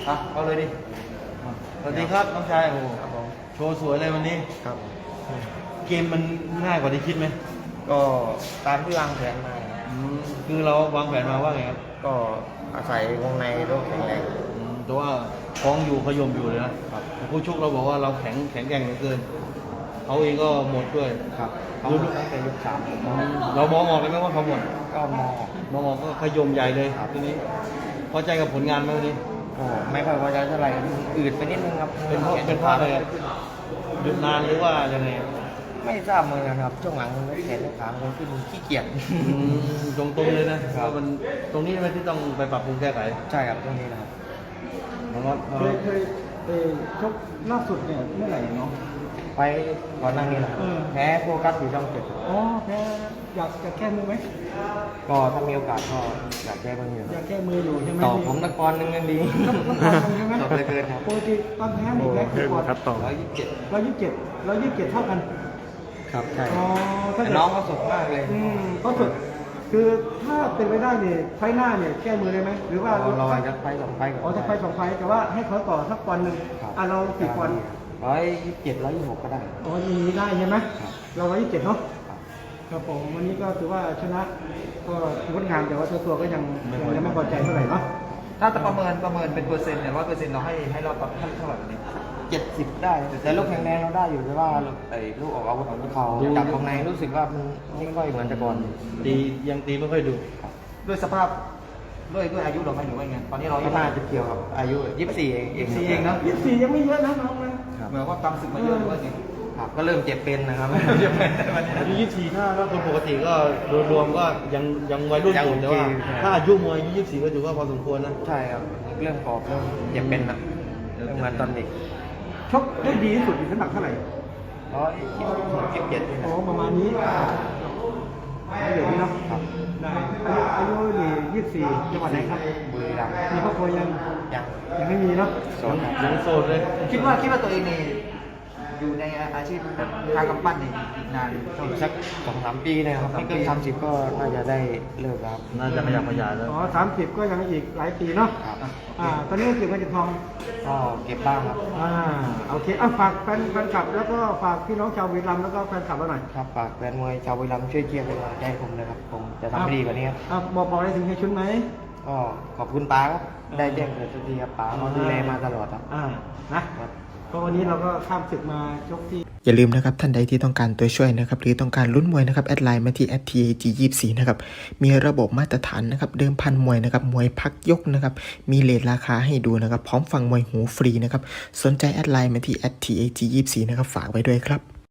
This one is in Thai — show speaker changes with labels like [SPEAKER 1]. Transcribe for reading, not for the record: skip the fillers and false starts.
[SPEAKER 1] เอาเลยดิสวัสดีครับน้องชายโอ้ครับผมโชว์สวยเลยวันนี้
[SPEAKER 2] ครับ
[SPEAKER 1] เกมมันง่ายกว่าที่คิดไหม
[SPEAKER 2] ก็ตามที่วางแผนมาครับ
[SPEAKER 1] คือเราวางแผนมาว่าไงครับ
[SPEAKER 2] ก็อาศัยวงในรูปแข็งแรง
[SPEAKER 1] แต่ว่าคล้องอยู่ขยมอยู่เลยนะครับผู้ชกเราบอกว่าเราแข็งแกร่งเหลือเกินเขาเองก็หมดด้วย
[SPEAKER 2] ครับเขาตั้งแต่ยก 3
[SPEAKER 1] เรามองออกเลยไหมว่าเขาหมด
[SPEAKER 2] ก็
[SPEAKER 1] มองออกก็ขยมใหญ่เลยทีนี้พอใจกับผลงานไหมวันนี้
[SPEAKER 2] ก็ไม่ค่อยพอใจเท่าไหร่อืดไปนิดนึงครับ
[SPEAKER 1] เป็นเพราะอะไรหยุดนานหรือว่ายังไง
[SPEAKER 2] ไม่ทราบเหมือนกันครับช่วงหลังแขนขาคนขึ้นขี้เกียจ
[SPEAKER 1] ตรงๆเลยนะมันตรงนี้ไหมที่ต้องไปปรับปรุงแก้ไข
[SPEAKER 2] ใช่ครับตรงนี้นะครับ
[SPEAKER 3] เคยชกล่าสุดเนี่ยเมื่อไหร่เนาะ
[SPEAKER 2] ไปก่อนหน้านี้นะครับแพ้โฟกัสอยู่ช่อง 7
[SPEAKER 3] อ๋อแพ้อยากจะแก้มือไหม
[SPEAKER 2] ก็ถ้ามีโอกาสก็อยากแก้มืออยู่
[SPEAKER 3] อยากแก้มืออยู่ใช่ไหม
[SPEAKER 2] ต่อผมนครนึงนั่นดี
[SPEAKER 3] ต่อเลยเกินครับปกติตอนแพ้นี่แพ้กี่ปอนด์127เท่ากัน
[SPEAKER 2] ครับใช่
[SPEAKER 3] อ๋อ
[SPEAKER 2] น้องก็สดมากเลย
[SPEAKER 3] ก็สดคือถ้าเป็นไปได้เนี่ยไฟหน้าเนี่ยแก้มือได้ไหมหรือว่าร
[SPEAKER 2] อจะไฟ2 ไฟ
[SPEAKER 3] อ๋อจะไฟ2 ไฟแต่ว่าให้เขาต่อสักปอนด์นึงเรากี่ปอนด์
[SPEAKER 2] 127 126ก็ได้
[SPEAKER 3] อ๋ออย่างนี้ได้ใช่ไหมเรา127เนาะครับผมวันนี้ก็ถือว่าชนะก็งดงามแต่ว่าตัวก็ยังไม่พอใจเท่าไหร่เนาะ
[SPEAKER 1] ถ้าจะประเมินเป็นเปอร์เซ็นต์เนี่ย100%เราให้เราตอบเท่าไหร่วันนี้
[SPEAKER 2] 70ได้แต่ลูกแข็งแรงเราได้อยู่แต่ว่าลูกออกอาวุธของเขาจับตรงในรู้สึกว่ามันไม่ค่อยเหมือนแต่ก่อน
[SPEAKER 1] ยังตีไม่ค่อยดูด้วยสภาพด้วยอายุเราไหมหรือว่าไงตอนนี้เรา
[SPEAKER 2] น่าจะเกี่ยวกับอายุ24เอง
[SPEAKER 1] นะ
[SPEAKER 3] 24ยังไม่เยอะนะน้องนะ
[SPEAKER 1] เหมือนว่าตามศึกมาเยอะหรือว่าไง
[SPEAKER 2] ครับก็เริ่มเจ็บเป็นนะครับ
[SPEAKER 1] อายุ24ถ้าคนปกติก็รวมก็ยังวัยรุ่นอยู่แต่ว่าถ้าอายุมวยอายุ24ก็ถือว่าพอสมควรนะ
[SPEAKER 2] ใช่ครับเรื่องกรอบเริ่มเจ็บเป็นนะทำงานตอนเด็ก
[SPEAKER 3] ชกได้ดีที่สุดในน้ำหนักเท่าไหร่
[SPEAKER 2] 127
[SPEAKER 3] โอ้ประมาณนี้เดี๋ยวนี้เนาะได้อายุนี่24จังหวัดไหนครับ
[SPEAKER 2] บุรีรัมย์
[SPEAKER 3] มีครอบครัวยังไม่มีเนาะ
[SPEAKER 1] ยังโสดเลย
[SPEAKER 2] คิดว่าตัวเองนี่อยู่ในอาชีพทางกำปั้นนี่นานสัก2-3 ปีนะครับไม่เกิน30ก็น่าจะได้เลิกครับ
[SPEAKER 1] น่าจะขยับขยายแล้ว
[SPEAKER 3] อ๋อ30ก็ยังอีกหลายปีเนาะตอนนี้เก็บเงินเก็บทอง
[SPEAKER 2] ก็เก็บบ้างครับ
[SPEAKER 3] โอเคฝากแฟนคลับแล้วก็ฝากพี่น้องชาวบุรีรัมย์แล้วก็แฟนคลับเราหน่อย
[SPEAKER 2] ครับฝากแฟนมวยชาวบุรีรัมย์ช่วยเชียร์เป็นกำลังใจให้ผมเลยครับผมจะทำให้ดีกว่านี้
[SPEAKER 3] ครับบอกอะไรถึงเฮียชุนไหม
[SPEAKER 2] ก็ขอบคุณป้าครับได้แจ้งเกิดสักทีครับป้าเขาดูแลมาตลอดครับ
[SPEAKER 3] นะก็วันนี้เราก็ข้ามศึกมาชกที่
[SPEAKER 4] อย่าลืมนะครับท่านใดที่ต้องการตัวช่วยนะครับหรือต้องการลุ้นมวยนะครับแอดไลน์มาที่ @TAG24 นะครับมีระบบมาตรฐานนะครับเดิมพันมวยนะครับมวยพักยกนะครับมีเรทราคาให้ดูนะครับพร้อมฟังมวยหูฟรีนะครับสนใจแอดไลน์มาที่ @TAG24 นะครับฝากไว้ด้วยครับ